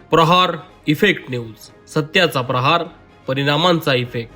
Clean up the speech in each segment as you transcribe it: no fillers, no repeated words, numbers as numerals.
प्रहार effect news, सत्याचा प्रहार, परिणामांचा effect.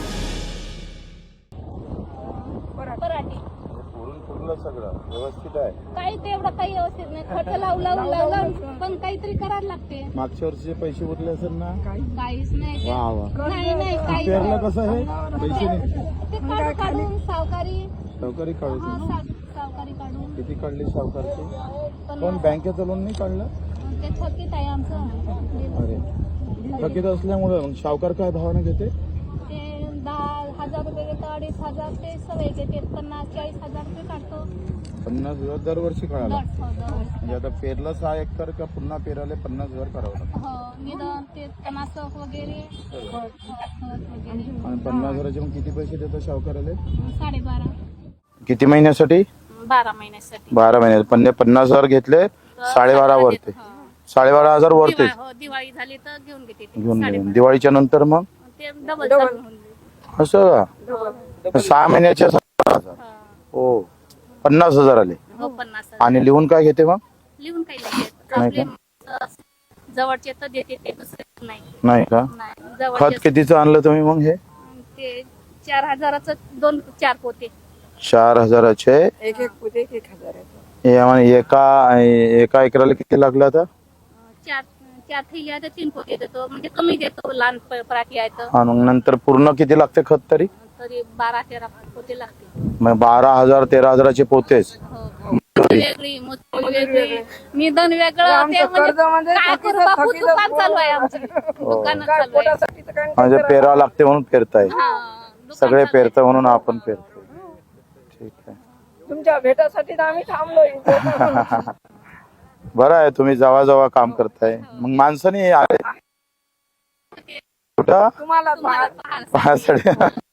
सगळं व्यवस्थित आहे. काही तेवढं काही व्यवस्थित नाही. खर्च लावून पण काहीतरी करायला लागते. मागच्या वर्षीचे पैसे उरले असेल ना? काहीच नाही. वा वा. नाही काही पेरलं कसं आहे? पैसे नाही. ते काढून सावकारी काढून सावकारी काढून किती काढली सावकारची? पण बँकेचं लोन नाही काढलं? ते थकीत आहे आमचं. अरे थकीत असल्यामुळे मग सावकार काय भावाने घेते? ते 10,000 रुपये घेतो, 2,500 ते सवय घेते. 50-40,000 रुपये काढतो. 50,000 दरवर्षी काढायला? दरवर्षी. म्हणजे आता पेरलं 6 एकर का पुन्हा पेरायला 50,000 करावं लागतं? हो, निदान ते तणासक वगैरे खत वगैरे. आणि 50,000चे मग किती पैसे देतो सावकाराला? 12.5. किती महिन्यासाठी? 12 महिन्यासाठी. 12 महिन्यात. पण 50,000 घेतले 12.5 वरते. 12,500 वरते दिवाळी झाली तर घेऊन घेते. घेऊन गेले. दिवाळीच्या नंतर मग ते डबल असं का? 6 महिन्याच्या 17,000. हो, 50,000 आले. हो, 50. आणि लिहून काय घेते मग? लिहून काही नाही नाही आपले जवळचे तर देते, ते दुसरे नाही. नाही का? नाही, खत जवळचे कितीचं आणलं तुम्ही मग? हे ते 4,000चं 2-4 पोते. 4,000चे एक पोते 1,000. हे म्हणजे एका एकराला किती लागलं आता? 4 थैल्या तर 3 पोते देतो, म्हणजे कमी देतो. लहान पराठी आहे तर आणि मग नंतर पूर्ण किती लागते खत तरी? 12-13 पोते लागते. मग 12,000 13,000चे पोतेच. वेगळी वेगळी निधन वेगळं. ते म्हणजे काय करू बापू, दुकान चालू आहे आमचं. दुकान चालू आहे. म्हणजे पेरावं लागते म्हणून पेरताय. दुकान सगळे चालू आहे. पेरता म्हणून आपण पेरतो. ठीक आहे. तुमच्या भेटासाठी तर आम्ही थांबलो इथे. बरं आहे, तुम्ही जवळ काम करताय. मग माणसाने आले कुठं? तुम्हाला पाहासाठी.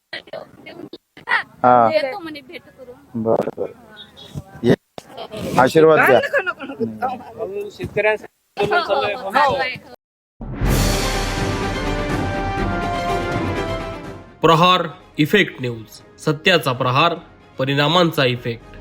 हा, येतो म्हणे भेट करून. बरं. आशीर्वाद द्या. चालू आहे. प्रहार इफेक्ट न्यूज, सत्याचा प्रहार, परिणामांचा इफेक्ट.